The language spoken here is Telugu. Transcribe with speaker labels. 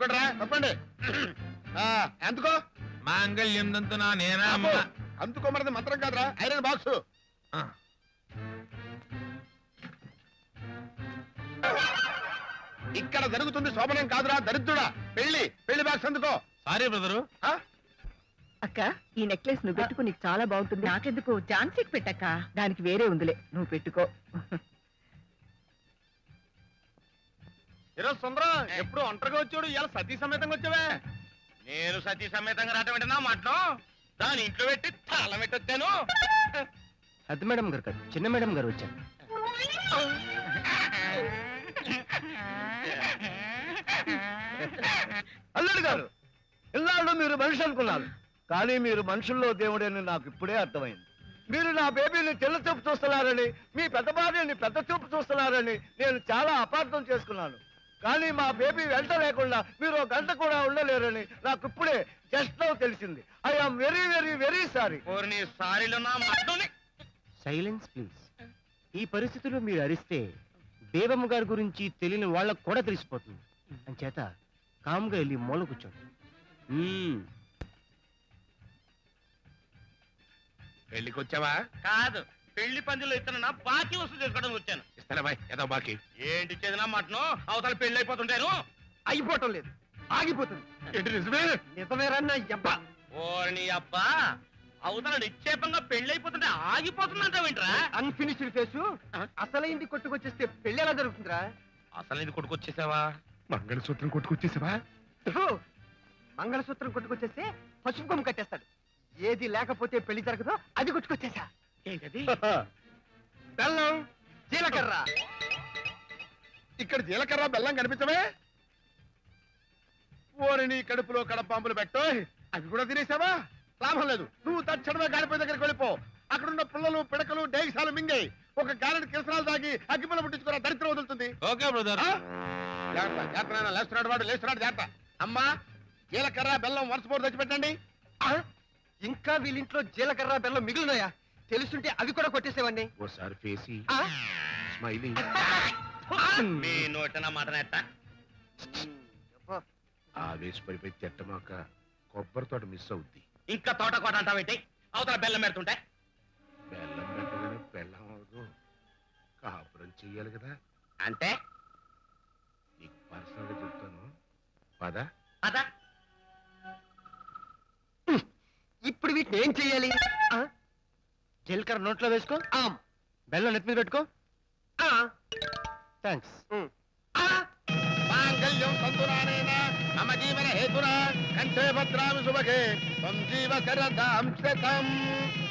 Speaker 1: తప్పండి తప్పండి. ఎందుకో
Speaker 2: మాంగళ్యం తంతునా నేనా
Speaker 1: అందుకోమన్నది మంత్రం కాదురా, ఐరన్ బాక్స్. ఇక్కడ జరుగుతుంది శోభనం కాదురా దరిద్రుడా, పెళ్లి. పెళ్లి బాక్స్ అందుకో.
Speaker 2: Sorry brother.
Speaker 3: అక్క, ఈ నెక్లెస్ నువ్వు పెట్టుకో, నీకు చాలా బాగుంటుంది. నాకెందుకు, ఝాన్సీకి పెట్టక్క. దానికి వేరే ఉందిలే, నువ్వు పెట్టుకో.
Speaker 1: ఈరోజు సుందరం ఎప్పుడు ఒంటరిగా వచ్చాడు, ఇలా సతీ సమేతంగా వచ్చావే. నేను సతీ సమేతంగా రావటం ఏంటన్నా మాటను, దాని ఇంట్లో పెట్టి తాళం పెట్టి వచ్చాను.
Speaker 4: పెద్ద మేడం గారు కాదు, చిన్న మేడం గారు వచ్చారు.
Speaker 5: అల్లుడు గారు, ఇన్నాళ్ళు మీరు మనిషి అనుకున్నారు, కానీ మీరు మనుషుల్లో దేవుడని నాకు ఇప్పుడే అర్థమైంది. మీరు నా బేబీని తెల్ల చూపు చూస్తున్నారని, మీ పెద్ద భార్యని పెద్ద చూపు చూస్తున్నారని నేను చాలా అపార్థం చేసుకున్నాను. కానీ మా బేబీ వెంట లేకుండా మీరు గంట కూడా ఉండలేరని నాకు ఇప్పుడే జస్ట్ నౌ తెలిసింది. I am very very very sorry.
Speaker 4: Silence please. ఈ పరిస్థితుల్లో మీరు అరిస్తే బేబమ్మ గారి గురించి తెలియని వాళ్ళకు కూడా తెలిసిపోతుంది. అంచేత కామ్గా వెళ్ళి మూల కూర్చోండి.
Speaker 1: పెళ్లికి వచ్చావా?
Speaker 2: కాదు, పెళ్లి పందిలో ఇస్తున్నా బాకీ వసూలు చేసుకోవడం వచ్చాను.
Speaker 1: ఇస్తానా బాయ్, ఏదో బాకీ.
Speaker 2: ఏంటి చేదినా మటను, అవతల పెళ్లి అయిపోతుంటాను.
Speaker 5: అయిపోవటం లేదు, ఆగిపోతుంది.
Speaker 1: ఏంటి నిజమే?
Speaker 5: నిజమేరన్నా అబ్బా.
Speaker 2: ఓర్ని అబ్బా, అవతల నిక్షేపంగా పెళ్లి అయిపోతుంటే ఆగిపోతుందంటావేంట్రా?
Speaker 5: అన్ఫినిష్డ్ ఫేసు అసలైంది కొట్టుకొచ్చేస్తే పెళ్లి ఎలా జరుగుతుందిరా?
Speaker 2: అసలు ఇది కొట్టుకొచ్చేసావా?
Speaker 1: మంగళసూత్రం కొట్టుకొచ్చేసావా?
Speaker 5: మంగళసూత్రం కొట్టుకొచ్చేస్తే పసుపు కొమ్ము కట్టేస్తాడు. ఏది లేకపోతే పెళ్లి జరగదో అది కొట్టుకొచ్చేసా.
Speaker 2: ఏంటది?
Speaker 5: బెల్లం, జీలకర్ర.
Speaker 1: ఇక్కడ జీలకర్ర బెల్లం కనిపించవే? ఓరిని కడుపులో కడపాంపులు పెట్టో, అవి కూడా తినేసావా? లాభం లేదు, నువ్వు తక్షణమే గాడిపోయి దగ్గరికి వెళ్ళిపో. అక్కడున్న పుల్లలు పిడకలు డేగిసాలు మింగాయి. ఒక గారెడు కిరసనాలు తాగి అగ్గిపుల్ల పుట్టించుకున్న దరిద్రం వదులుతుంది.
Speaker 2: Okay brother.
Speaker 1: జాగ్రత్త, లేస్తున్నాడు వాడు, లేస్తున్నాడు, జాగ్రత్త. అమ్మా, జీలకర్ర బెల్లం వరుస పోరు తెచ్చిపెట్టండి.
Speaker 5: ఇంకా వీళ్ళింట్లో జీలకర్ర బెల్లం మిగిలినాయా? తెలుసుంటే అవి కూడా కొట్టేసేవాడిని.
Speaker 1: ఓసారి ఫేసి స్మైలీ.
Speaker 2: మీ నోటన మాటనెట్ట
Speaker 1: ఆవేశపడిపోయి తిట్టమాక, కొబ్బరి తోట మిస్ అవుద్ది.
Speaker 2: ఇంకా తోట కోట అంటావేంటి? అవతల బెల్లం పెడుతుంటే
Speaker 1: బెల్లం పెట్టగానే బెల్లం అవదు, కాపురం చెయ్యాలి కదా.
Speaker 2: అంటే
Speaker 1: నీకు పర్సనల్ గా చెప్తాను, పద.
Speaker 2: అదా
Speaker 5: ఇప్పుడు వీటిని ఏం చెయ్యాలి?
Speaker 4: జీలకర్ర నోట్లో వేసుకో, బెల్లం నెత్తి మీద పెట్టుకో. థ్యాంక్స్.
Speaker 1: మాంగళ్యం తంతునానేన మమ జీవన హేతునా కంఠే భద్రామి శుభగే త్వం జీవ శరదాం శతం.